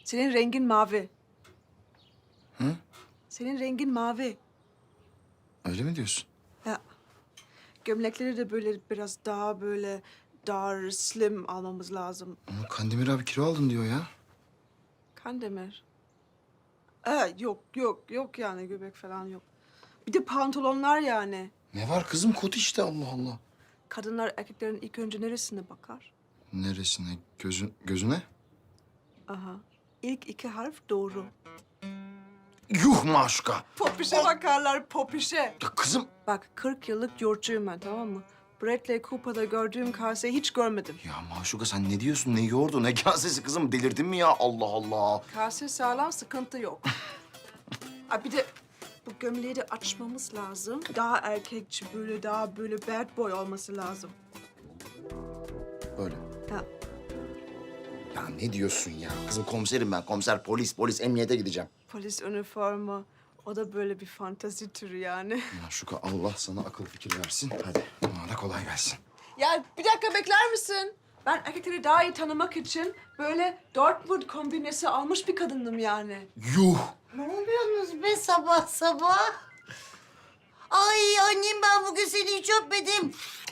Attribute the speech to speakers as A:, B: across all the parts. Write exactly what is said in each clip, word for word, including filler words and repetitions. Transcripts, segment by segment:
A: Senin rengin mavi.
B: Hı?
A: Senin rengin mavi.
B: Öyle mi diyorsun?
A: Ya. Gömlekleri de böyle biraz daha böyle dar, slim almamız lazım.
B: Ama Kandemir abi kilo aldın diyor ya.
A: Kandemir. Ee, yok, yok, yok yani göbek falan yok. Bir de pantolonlar yani.
B: Ne var kızım, kot işte, Allah Allah.
A: Kadınlar erkeklerin ilk önce neresine bakar?
B: Neresine? Gözün, gözüne?
A: Aha. İlk iki harf doğru.
B: Yuh maşuka.
A: Popişe bakarlar, popişe.
B: Ya kızım.
A: Bak kırk yıllık yurtçuyum ben, tamam mı? Bradley Cooper'da gördüğüm kaseyi hiç görmedim.
B: Ya maşuka sen ne diyorsun? Ne yoğurdu? Ne kasesi kızım? Delirdin mi ya? Allah Allah.
A: Kase sağlam, sıkıntı yok. Aa, bir de bu gömleği de açmamız lazım. Daha erkekçi, böyle daha böyle bad boy olması lazım.
B: Böyle.
A: Ha.
B: Ya ne diyorsun ya? Kızım komiserim ben. Komiser, polis, polis. Emniyete gideceğim.
A: Polis üniforma. O da böyle bir fantazi türü yani.
B: Maşuka Allah sana akıl fikir versin. Hadi bana da kolay gelsin.
A: Ya bir dakika bekler misin? Ben erkekleri daha iyi tanımak için böyle Dortmund kombinesi almış bir kadındım yani.
B: Yuh.
C: Ne yapıyorsunuz be sabah sabah? Ay annem ben bugün seni hiç öpmedim.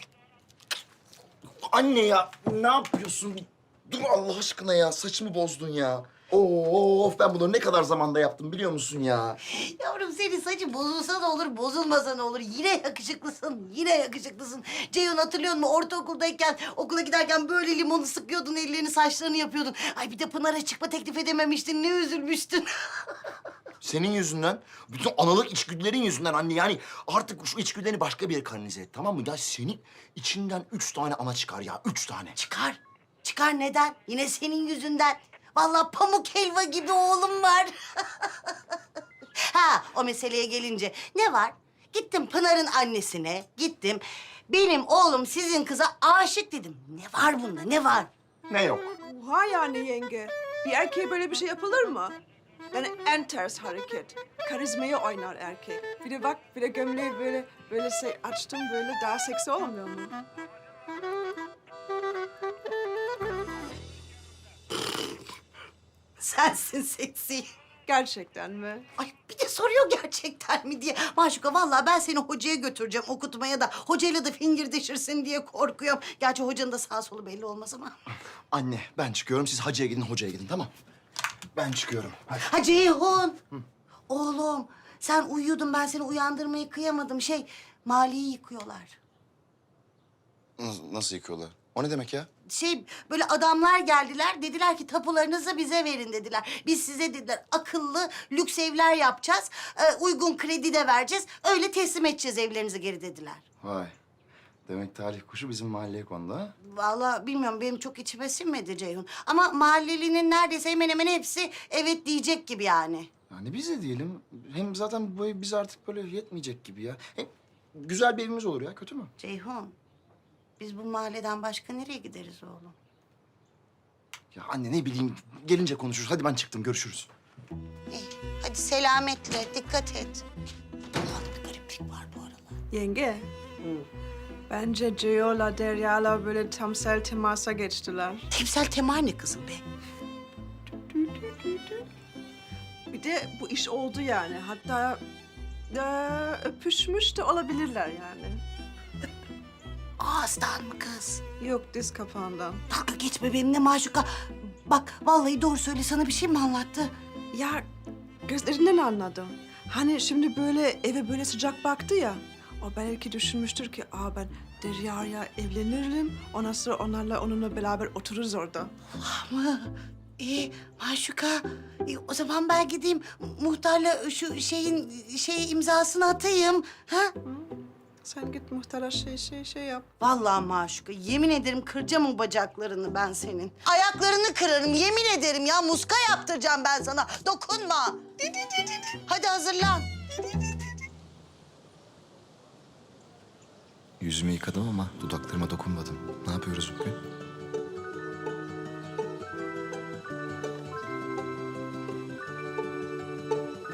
B: Anne ya ne yapıyorsun? Dur Allah aşkına ya. Saçımı bozdun ya. Of ben bunu ne kadar zamanda yaptım biliyor musun ya?
C: Yavrum senin saçın bozulsa da olur, bozulmasa da olur. Yine yakışıklısın, yine yakışıklısın. Ceyhun hatırlıyor musun? Ortaokuldayken, okula giderken böyle limonu sıkıyordun, ellerini saçlarını yapıyordun. Ay bir de Pınar'a çıkma teklif edememiştin, ne üzülmüştün.
B: Senin yüzünden, bütün analık içgüdülerin yüzünden anne. Yani artık şu içgüdülerini başka bir yere kanalize et, tamam mı? Ya senin içinden üç tane ana çıkar ya, üç tane.
C: Çıkar, çıkar neden? Yine senin yüzünden. Vallahi pamuk helva gibi oğlum var. Ha, o meseleye gelince ne var? Gittim Pınar'ın annesine, gittim. Benim oğlum sizin kıza aşık dedim. Ne var bunda, ne var?
B: Ne yok?
A: Oha yani yenge. Bir erkeğe böyle bir şey yapılır mı? Yani en ters hareket. Karizmayı oynar erkek. Bir de bak, bir de gömleği böyle böyle şey açtım, böyle daha seksi olmuyor mu?
C: Sensin seksi.
A: Gerçekten mi?
C: Ay bir de soruyor gerçekten mi diye. Maşuka vallahi ben seni hocaya götüreceğim okutmaya da hocayla da fingirdeşirsin diye korkuyorum. Gerçi hocanın da sağ solu belli olmaz ama.
B: Anne ben çıkıyorum, siz hacıya gidin, hocaya gidin, tamam? Ben çıkıyorum. Hadi.
C: Ha Ceyhun. Oğlum sen uyuyordun ben seni uyandırmayı kıyamadım. Şey maliyi yıkıyorlar.
B: Nasıl, nasıl yıkıyorlar? O ne demek ya?
C: Şey böyle adamlar geldiler dediler ki tapularınızı bize verin dediler. Biz size dediler akıllı lüks evler yapacağız. e, uygun kredi de vereceğiz. Öyle teslim edeceğiz evlerinizi geri dediler.
B: Vay. Demek talih kuşu bizim mahalleye kondu ha?
C: Vallahi bilmiyorum benim çok içime sinmedi Ceyhun. Ama mahallelinin neredeyse hemen hemen hepsi evet diyecek gibi yani.
B: Yani biz de diyelim. Hem zaten bu ev bize artık böyle yetmeyecek gibi ya. Hem güzel bir evimiz olur ya, kötü mü?
C: Ceyhun biz bu mahalleden başka nereye gideriz oğlum?
B: Ya anne ne bileyim, gelince konuşuruz. Hadi ben çıktım, görüşürüz.
C: İyi hadi selametle dikkat et. Allah'ım bir gariplik var bu aralar.
A: Yenge. Bence Ceo'la Derya'la böyle tamsel temasa geçtiler.
C: Temsel temel ne kızım be?
A: Bir de bu iş oldu yani. Hatta eee, öpüşmüş de olabilirler yani.
C: Ağızdan mı kız?
A: Yok, diz kapağından.
C: Dalga geçme benimle Maşuka. Bak vallahi doğru söyle sana bir şey mi anlattı?
A: Ya gözlerinden anladım. Hani şimdi böyle eve böyle sıcak baktı ya. O belki düşünmüştür ki, aa ben Derya'ya evlenirim. Ondan sonra onlarla onunla beraber otururuz orada.
C: Ama iyi Maşuka. E, o zaman ben gideyim muhtarla şu şeyin şey imzasını atayım. Ha?
A: Sen git muhtara şey şey şey yap.
C: Vallahi Maşuka yemin ederim kıracağım o bacaklarını ben senin. Ayaklarını kırarım yemin ederim ya muska yaptıracağım ben sana. Dokunma. Hadi hazırlan.
B: Yüzümü yıkadım ama dudaklarıma dokunmadım. Ne yapıyoruz bugün?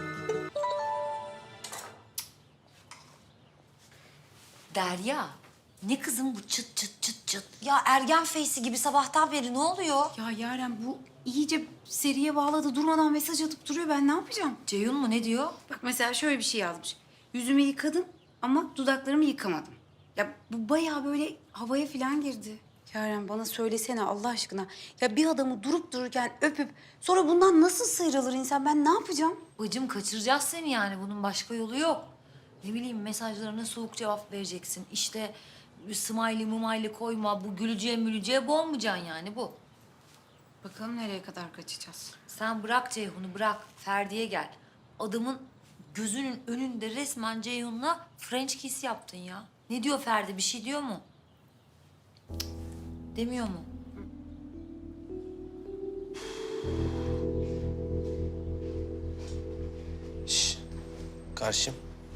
D: Derya, Ne kızım bu çıt çıt çıt çıt? Ya ergen feysi gibi sabahtan beri ne oluyor?
E: Ya Yaren bu iyice seriye bağladı. Durmadan mesaj atıp duruyor. Ben ne yapacağım?
D: Ceyhun mu ne diyor?
E: Bak mesela şöyle bir şey yazmış. Yüzümü yıkadım ama dudaklarımı yıkamadım. Ya bu bayağı böyle havaya falan girdi. Yaren bana söylesene Allah aşkına. Ya bir adamı durup dururken öpüp sonra bundan nasıl sıyrılır insan? Ben ne yapacağım?
D: Bacım kaçıracağız seni yani. Bunun başka yolu yok. Ne bileyim mesajlarına soğuk cevap vereceksin. İşte smiley mumaylı koyma. Bu gülücüye mülücüye boğmayacaksın yani bu.
E: Bakalım nereye kadar kaçacağız.
D: Sen bırak Ceyhun'u bırak. Ferdi'ye gel. Adamın gözünün önünde resmen Ceyhun'la French kiss yaptın ya. Ne diyor Ferdi? Bir şey diyor mu? Cık, demiyor mu?
F: Şş, karşım.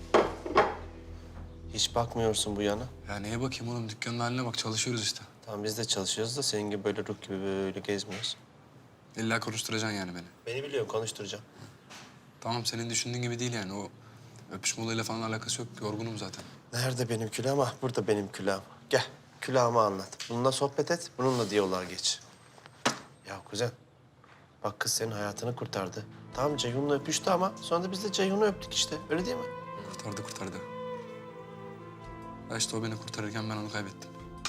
F: Hiç bakmıyorsun bu yana.
G: Ya neye bakayım oğlum? Dükkanın haline bak. Çalışıyoruz işte.
F: Tamam biz de çalışıyoruz da senin gibi böyle ruh gibi böyle gezmiyoruz.
G: İlla konuşturacaksın yani beni.
F: Beni biliyorum konuşturacağım.
G: Tamam senin düşündüğün gibi değil yani. O öpüşme olayıyla falan alakası yok. Yorgunum zaten.
F: Nerede benim külahım? Ah burada benim külahım. Gel külahımı anlat. Bununla sohbet et, bununla diyaloğa geç. Ya kuzen, bak kız senin hayatını kurtardı. Tamam Ceyhun'la öpüştü ama sonra da biz de Ceyhun'u öptük işte. Öyle değil mi?
G: Kurtardı kurtardı. Ya işte o beni kurtarırken ben onu kaybettim.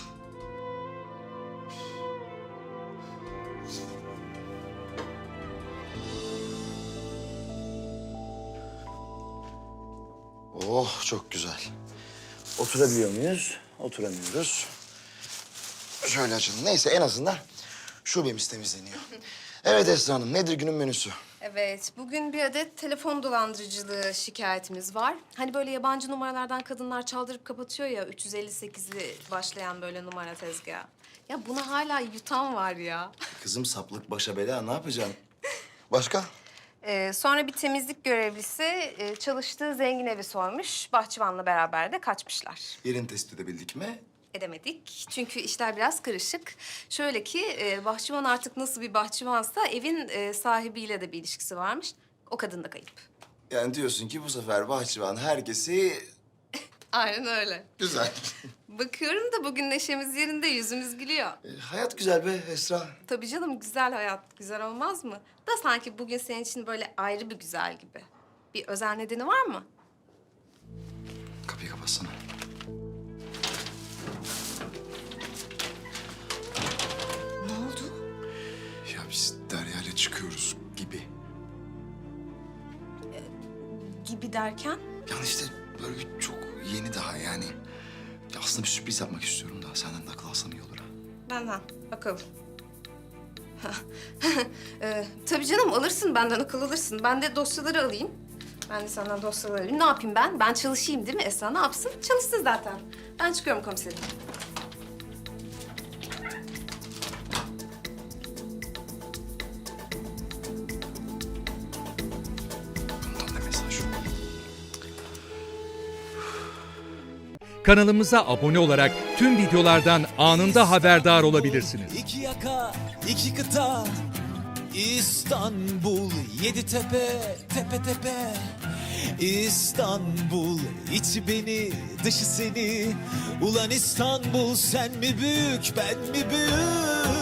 B: Oh çok güzel. Oturabiliyor muyuz? Oturamıyoruz. Şöyle açalım. Neyse en azından şubemiz temizleniyor. Evet Esra Hanım nedir günün menüsü?
H: Evet, bugün bir adet telefon dolandırıcılığı şikayetimiz var. Hani böyle yabancı numaralardan kadınlar çaldırıp kapatıyor ya, üç yüz elli sekizli başlayan böyle numara tezgahı. Ya buna hala yutan var ya.
B: Kızım saplık başa bela ne yapacaksın? Başka?
H: Ee, sonra bir temizlik görevlisi e, çalıştığı zengin evi sormuş. Bahçıvanla beraber de kaçmışlar.
B: Yerini tespit edebildik mi?
H: Edemedik. Çünkü işler biraz karışık. Şöyle ki e, bahçıvan artık nasıl bir bahçıvansa evin e, sahibiyle de bir ilişkisi varmış. O kadın da kayıp.
B: Yani diyorsun ki bu sefer bahçıvan herkesi...
H: Aynen öyle.
B: Güzel.
H: Bakıyorum da bugün neşemiz yerinde, yüzümüz gülüyor.
B: E, hayat güzel be Esra.
H: Tabii canım, güzel hayat. Güzel olmaz mı? Da sanki bugün senin için böyle ayrı bir güzel gibi. Bir özel nedeni var mı?
B: Kapıyı kapatsana.
D: Ne oldu?
B: Ya biz Derya'yla çıkıyoruz gibi.
H: Gibi derken?
B: Yani işte böyle bir çok yeni daha yani. Ya aslında bir sürpriz yapmak istiyorum da senden de akıl alsam iyi olur ha.
H: Benden. Bakalım. ee, tabii canım, alırsın benden, akıl alırsın. Ben de dosyaları alayım. Ben de senden dosyaları alayım. Ne yapayım ben? Ben çalışayım değil mi Esra? Ne yapsın? Çalışsın zaten. Ben çıkıyorum komiserim.
B: Bundan da mesaj yok.
I: Kanalımıza abone olarak tüm videolardan anında haberdar olabilirsiniz.
J: İki yaka, iki kıta, İstanbul, yedi tepe, tepe tepe. İstanbul, içi beni, dışı seni. Ulan İstanbul, sen mi büyük, ben mi büyük?